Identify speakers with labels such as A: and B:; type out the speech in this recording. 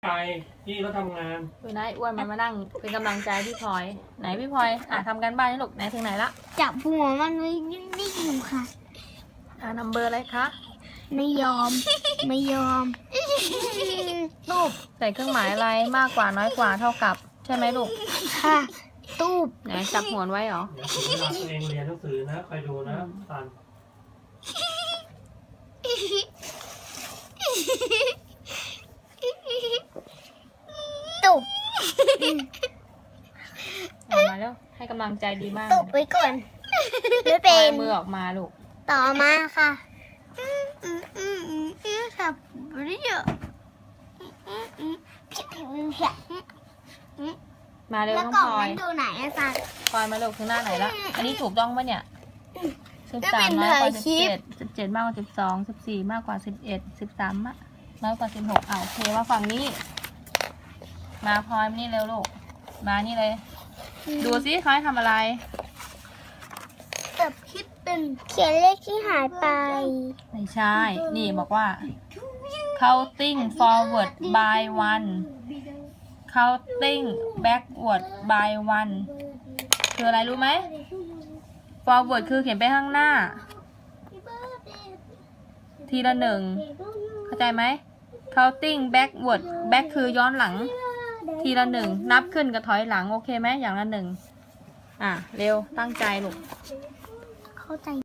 A: ไปพี่ก็ทำงาน
B: ดูนะไอ้อ้วนมันมานั่งเป็นกำลังใจพี่พลอยไหนพี่พลอยทำกันบ้านให้ลูกไหนถึงไหนละ
C: จับหัวมันไว้นิ่งๆอยู่ค่ะ
B: นัมเบอร์อะไรคะ
C: ไม่ยอม ไม่ยอม
B: รูปใส่เครื่องหมายอะไรมากกว่าน้อยกว่าเท่ากับใช่ไหมลูก
C: ค่ะ ตูบ
B: ไหนจับหัวไว้เหรอ
A: เดี๋ยวถึงเวลาตัวเองเรียนหนังสือนะคอยดูนะตัน
C: ตูบ
B: เอามาแล้วให้กำลังใจดีมาก
C: ตูบไว้ก่อนไม่
B: ปล่
C: เป็
B: อย
C: น
B: มือออกมาลูก
C: ต่อมาค่ะค่ะเรียก
B: มาเร็ว
C: แล้ว
B: น้อง
C: กล่อง
B: พลอ
C: มั
B: ย
C: นดูไหนอะคะ
B: พลอยมาเร็วถึงหน้าไหนละอันนี้ถูกต้องปะเนี่ย13
C: ก็เป็น
B: น้อยกว่า
C: ถ่ายคลิป
B: 17มากกว่า12 14มากกว่า11 13น้อยกว่า16โอเคว่าฝั่งนี้ มาพลอยมานี่เร็วลูกมานี่เลย ดูซิเขาให้ทำอะไร
C: แบบคิดเป็นเขียนเลขที่หายไป
B: ไม่ใช่ นี่บอกว่า counting forward by one counting backward by one คืออะไรรู้ไหม forward คือเขียนไปข้างหน้า ทีละหนึ่งเข้าใจไหม counting backward back คือย้อนหลัง ทีละหนึ่งนับขึ้นกับถอยหลังโอเคไหมอย่างละหนึ่งเร็วตั้งใจลูก
C: เข้าใจ